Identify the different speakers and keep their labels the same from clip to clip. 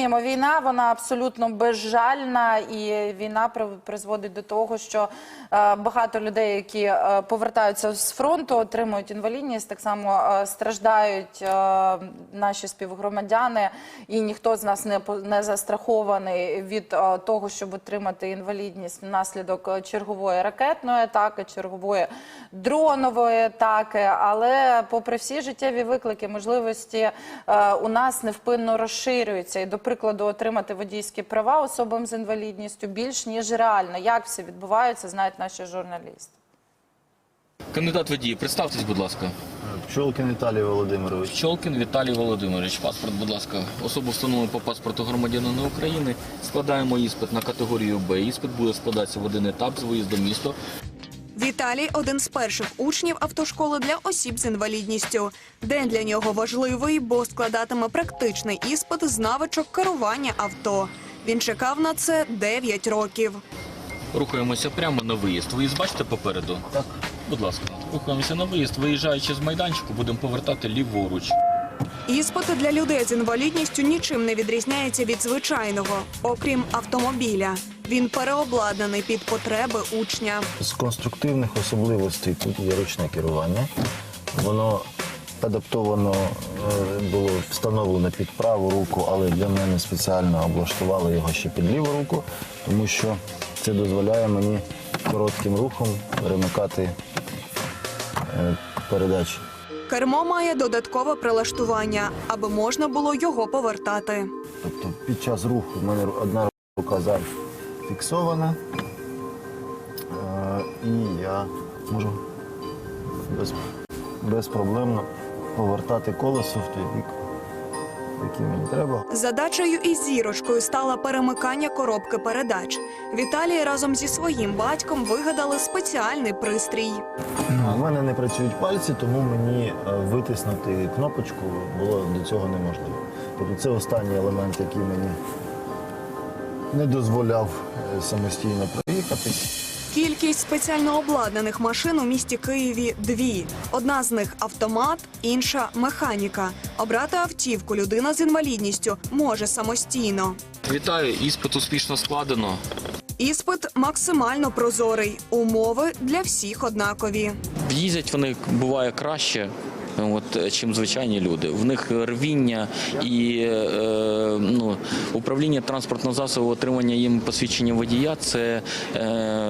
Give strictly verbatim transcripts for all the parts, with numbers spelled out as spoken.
Speaker 1: розуміємо, війна, вона абсолютно безжальна, і війна призводить до того, що багато людей, які повертаються з фронту, отримують інвалідність, так само страждають наші співгромадяни, і ніхто з нас не, не застрахований від того, щоб отримати інвалідність внаслідок чергової ракетної атаки, чергової дронової атаки, але попри всі життєві виклики, можливості у нас невпинно розширюються. І, до прикладу, отримати водійські права особам з інвалідністю більш ніж реально. Як все відбувається, знають наші журналісти.
Speaker 2: Кандидат водії, представтесь, будь ласка.
Speaker 3: Пчолкін Віталій Володимирович.
Speaker 2: Пчолкін Віталій Володимирович. Паспорт, будь ласка. Особу встановлено по паспорту громадянина України. Складаємо іспит на категорію Б. Іспит буде складатися в один етап з виїзду в місто.
Speaker 4: Віталій – один з перших учнів автошколи для осіб з інвалідністю. День для нього важливий, бо складатиме практичний іспит з навичок керування авто. Він чекав на це дев'ять років.
Speaker 2: Рухаємося прямо на виїзд. Виїзд бачите попереду? Так. Будь ласка. Рухаємося на виїзд. Виїжджаючи з майданчику, будемо повертати ліворуч.
Speaker 4: Іспит для людей з інвалідністю нічим не відрізняється від звичайного, окрім автомобіля. Він переобладнаний під потреби учня.
Speaker 3: З конструктивних особливостей тут є ручне керування. Воно адаптовано було встановлено під праву руку, але для мене спеціально облаштували його ще під ліву руку, тому що це дозволяє мені коротким рухом перемикати передачі.
Speaker 4: Кермо має додаткове прилаштування, аби можна було його повертати.
Speaker 3: Тобто під час руху в мене одна рука зараз фіксована, і я можу без, безпроблемно повертати колесо в той бік, який мені треба.
Speaker 4: Задачею із зірочкою стало перемикання коробки передач. Віталій разом зі своїм батьком вигадали спеціальний пристрій.
Speaker 3: У мене не працюють пальці, тому мені витиснути кнопочку було до цього неможливо. Тобто це останній елемент, який мені не дозволяв самостійно проїхатись.
Speaker 4: Кількість спеціально обладнаних машин у місті Києві – дві. Одна з них – автомат, інша – механіка. Обрати автівку людина з інвалідністю може самостійно.
Speaker 2: Вітаю, іспит успішно складено.
Speaker 4: Іспит максимально прозорий. Умови для всіх однакові.
Speaker 2: Їздять вони, буває, краще, от, чим звичайні люди. В них рвіння і е, ну, управління транспортного засобу, отримання їм посвідчення водія – це е,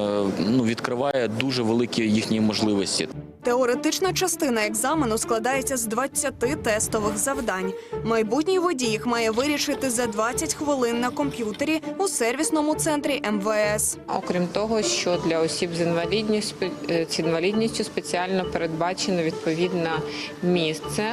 Speaker 2: ну, відкриває дуже великі їхні можливості.
Speaker 4: Теоретична частина екзамену складається з двадцяти тестових завдань. Майбутній водій їх має вирішити за двадцять хвилин на комп'ютері у сервісному центрі ем ве ес.
Speaker 5: Окрім того, що для осіб з інвалідністю, з інвалідністю спеціально передбачено відповідне місце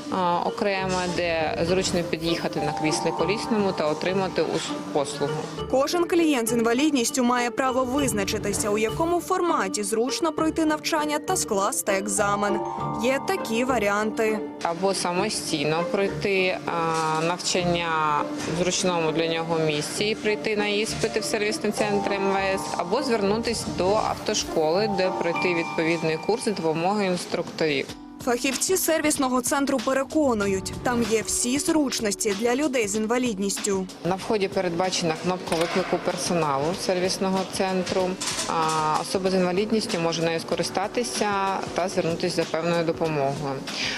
Speaker 5: окреме, де зручно під'їхати на кріслі колісному та отримати послугу.
Speaker 4: Кожен клієнт з інвалідністю має право визначитися, у якому форматі зручно пройти навчання та скласти екзамен. Є такі варіанти.
Speaker 5: Або самостійно пройти навчання в зручному для нього місці і прийти на іспити в сервісний центр ем ве ес, або звернутися до автошколи, де пройти відповідний курс за допомогою інструкторів.
Speaker 4: Фахівці сервісного центру переконують, там є всі зручності для людей з інвалідністю.
Speaker 5: На вході передбачена кнопка виклику персоналу сервісного центру. Особа з інвалідністю може нею скористатися та звернутися за певною допомогою.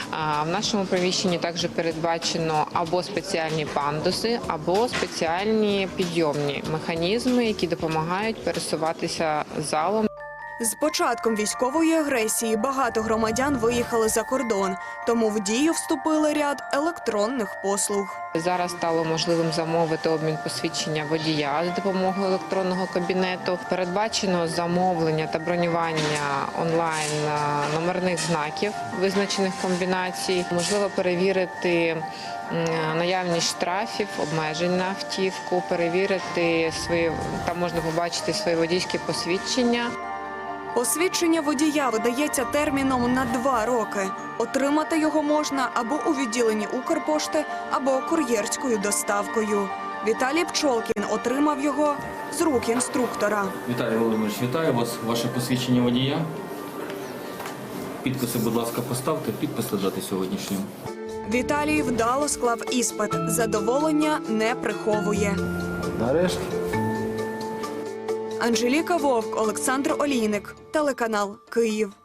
Speaker 5: В нашому приміщенні також передбачено або спеціальні пандуси, або спеціальні підйомні механізми, які допомагають пересуватися залом.
Speaker 4: З початком військової агресії багато громадян виїхали за кордон, тому в дію вступили ряд електронних послуг.
Speaker 5: Зараз стало можливим замовити обмін посвідчення водія за допомогою електронного кабінету. Передбачено замовлення та бронювання онлайн номерних знаків визначених комбінацій. Можливо перевірити наявність штрафів, обмежень на автівку, перевірити свої, там можна побачити свої водійські посвідчення.
Speaker 4: Посвідчення водія видається терміном на два роки. Отримати його можна або у відділенні Укрпошти, або кур'єрською доставкою. Віталій Пчолкін отримав його з рук інструктора.
Speaker 2: Віталій Володимирович, вітаю вас. Ваше посвідчення водія. Підписи, будь ласка, поставте. Підписи дати сьогоднішнього.
Speaker 4: Віталій вдало склав іспит. Задоволення не приховує.
Speaker 3: Нарешті.
Speaker 4: Анжеліка Вовк, Олександр Олійник, телеканал Київ.